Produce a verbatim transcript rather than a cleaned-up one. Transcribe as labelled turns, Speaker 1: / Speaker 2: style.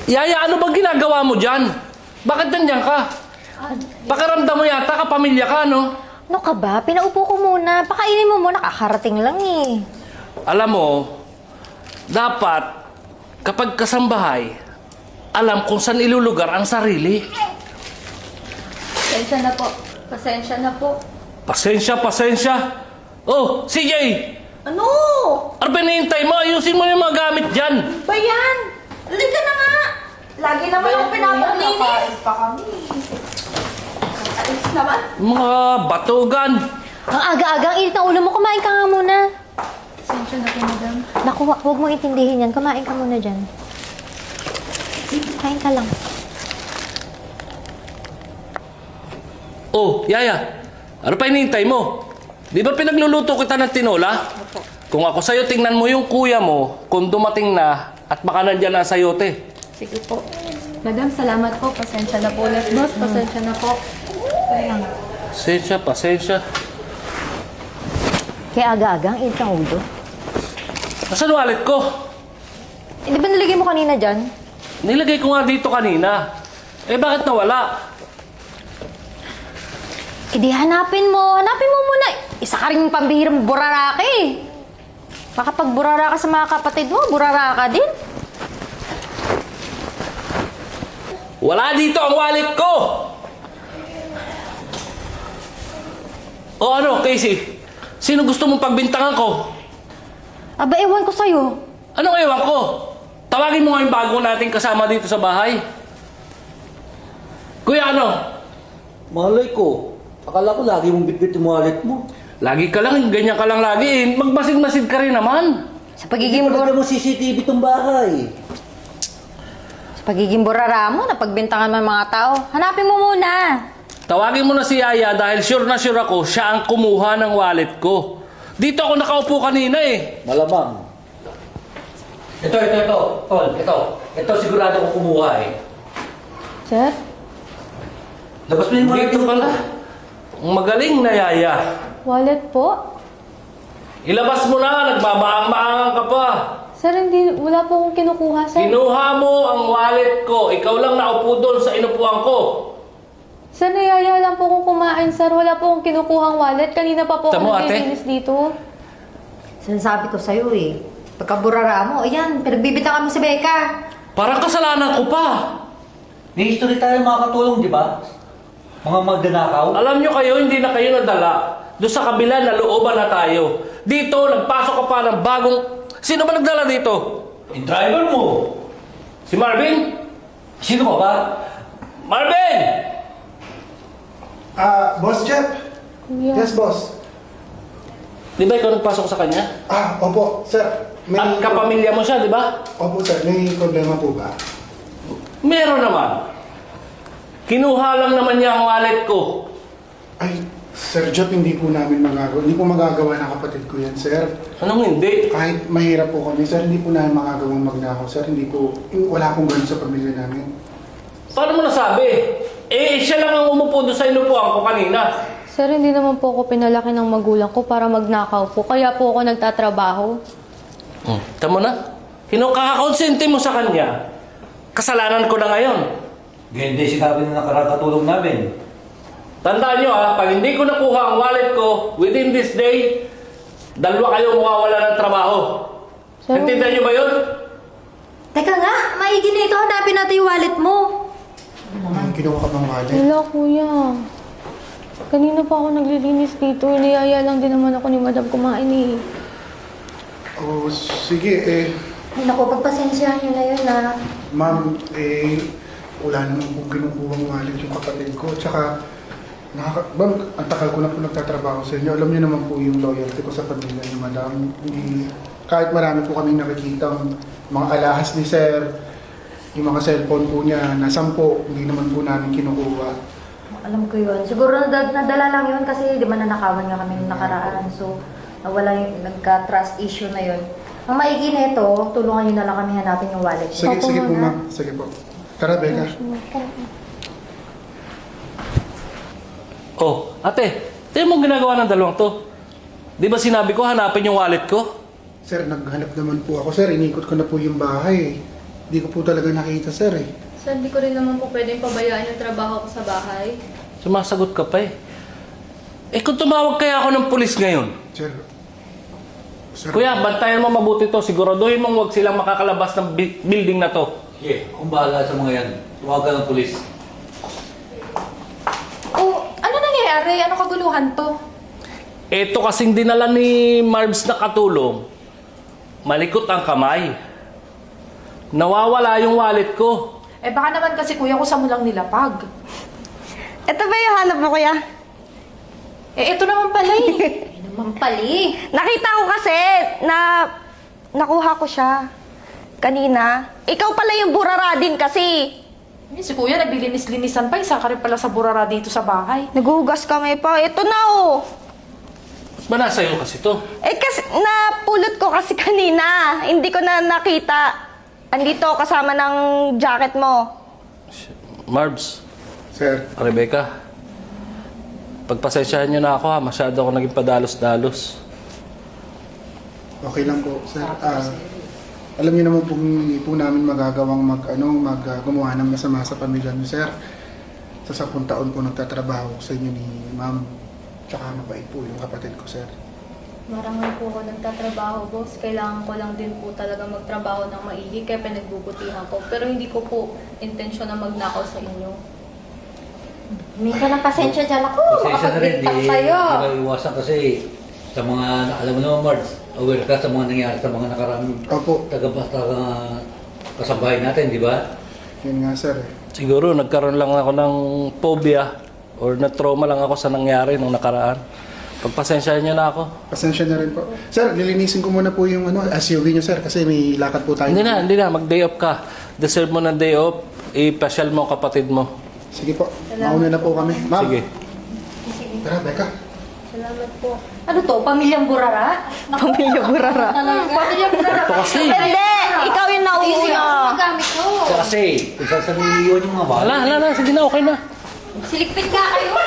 Speaker 1: Yaya, ano bang ginagawa mo dyan? Bakit nandiyan ka? Pakiramdam mo yata ka, pamilya ka, no?
Speaker 2: Ano ka ba? Pinaupo ko muna. Pakainin mo muna. Kakarating lang eh.
Speaker 1: Alam mo, dapat, kapag kasambahay, alam kung saan ilulugar ang sarili.
Speaker 3: Pasensya na po. Pasensya na po.
Speaker 1: Pasensya, pasensya. Oh, C J!
Speaker 3: Ano?
Speaker 1: Ano pinahintay mo? Ayusin mo yung mga gamit dyan.
Speaker 3: Bayan! Halika na nga! Lagi naman ako pinapalinis. pa kami. Alis naman.
Speaker 1: Mga batugan.
Speaker 2: Ang aga-aga, ang init ng ulo mo. Kumain ka nga muna.
Speaker 3: Pasensya na po, madam.
Speaker 2: Naku, wa- huwag mong intindihin yan. Kumain ka muna dyan. Kain ka lang.
Speaker 1: Oh, Yaya. Ano pa hinihintay mo? Di ba pinagluluto kita ng tinola? Kung ako sa'yo, tingnan mo yung kuya mo kung dumating na at baka nandyan na sayote.
Speaker 3: Sige po. Madam, salamat po. Pasensya na po ulit, boss. Pasensya na po.
Speaker 1: Pasensya, pasensya.
Speaker 2: Kaya aga-aga, ang init ng ulo.
Speaker 1: Nasaan wallet ko?
Speaker 2: Eh, di ba nilagay mo kanina dyan?
Speaker 1: Nilagay ko nga dito kanina. Eh, bakit nawala?
Speaker 2: Eh, di hanapin mo. Hanapin mo muna. Isa ka rin pambihirang buraraka eh. Baka pag burara ka sa mga kapatid mo, burara ka din.
Speaker 1: Wala dito ang wallet ko! O ano, Casey? Sino gusto mong pagbintangan ko?
Speaker 2: Aba, ewan ko sa'yo.
Speaker 1: Anong ewan ko? Tawagin mo nga yung bago nating kasama dito sa bahay. Kuya, ano?
Speaker 4: Malay ko. Akala ko lagi mong bitbit yung wallet mo.
Speaker 1: Lagi ka lang, ganyan ka lang lagi eh. Magmasid-masid ka rin naman.
Speaker 2: Sa
Speaker 4: Hindi
Speaker 2: pagiging,
Speaker 4: mo
Speaker 2: bur-
Speaker 4: mo C C T V tong bahay.
Speaker 2: sa pagiging burara mo, napagbintangan mo ng mga tao. Hanapin mo muna.
Speaker 1: Tawagin mo na si Yaya dahil sure na sure ako, siya ang kumuha ng wallet ko. Dito ako nakaupo kanina eh.
Speaker 4: Malamang. Ito, ito, ito. Tol, ito. Ito sigurado ko kumuha eh.
Speaker 3: Sir?
Speaker 4: Labas mo yung wallet
Speaker 1: Dito
Speaker 4: mo.
Speaker 1: pala. Ang magaling na Yaya.
Speaker 3: Wallet po?
Speaker 1: Ilabas mo na, nagbabaang-baangan ka pa.
Speaker 3: Sir, hindi, wala po akong kinukuha, sir.
Speaker 1: Kinuha mo ang wallet ko. Ikaw lang naupo doon sa inupuan ko.
Speaker 3: Sir, nayaya lang po akong kumain, sir. Wala po akong kinukuhang wallet. Kanina pa po ako
Speaker 1: Tamo, ate.
Speaker 3: naglilinis dito.
Speaker 2: Sinasabi ko sa'yo eh. Pagka burara mo, ayan, pinagbibitangan mo si Becca.
Speaker 1: Parang kasalanan ko pa.
Speaker 4: May history tayo mga katulong, di ba? Mga magnanakaw.
Speaker 1: Alam nyo kayo, hindi na kayo nadala. Doon sa kabila, nalooban na tayo. Dito, nagpasok ka pa ng bagong... Sino ba nagdala dito?
Speaker 4: Yung driver mo.
Speaker 1: Si Marvin?
Speaker 4: Sino ba ba?
Speaker 1: Marvin!
Speaker 5: Ah, Boss Jeff?
Speaker 3: Kuya.
Speaker 5: Yes, boss.
Speaker 1: Di ba ikaw nagpasok sa kanya?
Speaker 5: Ah, opo, sir. May...
Speaker 1: At kapamilya mo siya, di ba?
Speaker 5: Opo, sir. May problema po ba?
Speaker 1: Meron naman. Kinuha lang naman niya ang wallet ko.
Speaker 5: Ay, Sir Jeff, hindi po namin magagawa. Hindi po magagawa ng kapatid ko yan, sir.
Speaker 1: Anong hindi?
Speaker 5: Kahit mahirap po kami, sir, hindi po namin magagawang magnakaw, sir. Hindi po, wala pong ganun sa pamilya namin.
Speaker 1: Paano mo nasabi? Eh, siya lang ang umupo doon sa inupuan ko kanina.
Speaker 3: Sir, hindi naman po ako pinalaki ng magulang ko para magnakaw po. Kaya po ako nagtatrabaho.
Speaker 1: Hmm. Tama na. Kinukakakonsente mo sa kanya. Kasalanan ko na ngayon.
Speaker 4: Ganyan din sinabi ng nakakatulong namin.
Speaker 1: Tandaan nyo ha, pag hindi ko nakuha ang wallet ko within this day, dalawa kayo mawawala ng trabaho.
Speaker 3: Sir,
Speaker 1: Intindihan nyo ba yun?
Speaker 2: Teka nga, maigi na ito. Hanapin natin yung wallet mo.
Speaker 5: Ay, kinuha ka bang wallet?
Speaker 3: wala kuya. Kanina pa ako naglilinis dito. Niyaya lang din naman ako ni Madam kumain eh.
Speaker 5: Oh, sige, eh,
Speaker 2: Ay, naku, pagpasensyahan nyo na yun ah.
Speaker 5: ma'am, eh, wala naman pong kinukuha ng wallet yung kapatid ko. Tsaka, nakaka... Ma'am, ang takal ko na po nagtatrabaho sa inyo. Alam niyo naman po yung loyalty ko sa pamilya ni Madam. Hindi, kahit marami po kaming nakikitang mga alahas ni Sir, yung mga cellphone po niya, nasampo, hindi naman po namin kinukuha.
Speaker 2: Alam ko yun. Siguro nad- nadala lang yun kasi di ba nanakawan nga kami nung nakaraan. So, nawala yung nagka-trust issue na yun. Ang maigi nito, tulungan nyo na lang kami hanapin yung wallet. niyo.
Speaker 5: Sige,
Speaker 3: Opo,
Speaker 5: sige po,
Speaker 3: ma'am.
Speaker 5: ma'am. Sige po. Tara, Becca.
Speaker 1: Oh, ate, tingnan mo ang ginagawa ng dalawang to. Di ba sinabi ko hanapin yung wallet ko?
Speaker 5: Sir, naghanap naman po ako, sir. Inikot ko na po yung bahay. Di Hindi ko po talaga nakita, sir eh.
Speaker 6: Sir, di ko rin naman po pwedeng pabayaan yung trabaho ko sa bahay.
Speaker 1: Sumasagot ka pa eh. Eh kung tumawag kaya ako ng pulis ngayon,
Speaker 5: Sir, sir,
Speaker 1: kuya, bantayan mo mabuti to. Siguraduhin mong huwag silang makakalabas ng bi- building na to.
Speaker 4: Sige, akong bahala sa mga yan. Tuwagan ng pulis.
Speaker 3: Oh, ano nangyayari? Ano kaguluhan to?
Speaker 1: Ito kasing dinala ni Marbs na katulong, malikot ang kamay. Nawawala yung wallet ko.
Speaker 3: Eh baka naman kasi kuya ko sa mulang nilapag.
Speaker 7: Ito ba yung hanap mo, kuya?
Speaker 3: Eh ito naman pala eh.
Speaker 2: Mampali.
Speaker 7: Nakita ko kasi na nakuha ko siya kanina. Ikaw pala yung burara din kasi.
Speaker 3: Eh, si kuya naglilinis-linisan pa. Isa ka rin pala sa burara dito sa bahay.
Speaker 7: Naguhugas kami pa. Ito na oh.
Speaker 1: Ba nasa iyo kasi to?
Speaker 7: Eh kasi napulot ko kasi kanina. Hindi ko na nakita. Andito kasama ng jacket mo.
Speaker 1: Marbs,
Speaker 5: sir,
Speaker 1: Rebecca, pagpasensyahan nyo na ako ha. Masyado ako naging padalos-dalos.
Speaker 5: okay lang po, sir. Ah, alam niyo naman po, hindi po namin magagawang mag, ano, mag, ah, gumawa ng masama sa pamilya niyo, sir. Sa sampung taon po nagtatrabaho sa inyo ni ma'am. Tsaka mabait po yung kapatid ko, sir.
Speaker 6: Marangal po ako nagtatrabaho, boss. Kailangan ko lang din po talaga magtrabaho ng maigi, kaya pinagbubutihan ko. Pero hindi ko po intensyon na magnakaw sa inyo.
Speaker 2: May ka ng pasensya dyan ako.
Speaker 4: Pasensya na rin, di,
Speaker 2: Makapag-itak
Speaker 4: di
Speaker 2: tayo.
Speaker 4: ka iwasan kasi sa mga, alam mo naman Mards, aware ka sa mga nangyari sa mga nakaraming
Speaker 5: Opo,
Speaker 4: taga, taga kasambahay natin, di ba?
Speaker 5: yun nga, sir. Eh.
Speaker 1: Siguro nagkaroon lang ako ng phobia or na-trauma lang ako sa nangyari nung nakaraan. Pagpasensyahan nyo na ako.
Speaker 5: Pasensya na rin po. Sir, lilinisin ko muna po yung ano, S U V niyo, sir, kasi may lakad po tayo.
Speaker 1: Hindi na, hindi na. Mag-day off ka. Deserve mo ng day off. I-pasyal mo ang kapatid mo.
Speaker 5: Sige po, mauna na po kami. Ma'am,
Speaker 1: Sige.
Speaker 5: tara, Becca.
Speaker 6: Salamat po.
Speaker 2: Ano to? Pamilyang burara?
Speaker 7: Pamilya burara.
Speaker 2: Pamilyang burara.
Speaker 1: Ito kasi.
Speaker 7: Hindi! Ikaw yung nauna.
Speaker 2: Magamit ko.
Speaker 4: Kasi, kung saan saan niliyon yung mga bala.
Speaker 1: Hala, hala, hala. Sige na, okay na.
Speaker 2: Siligpit ka kayo.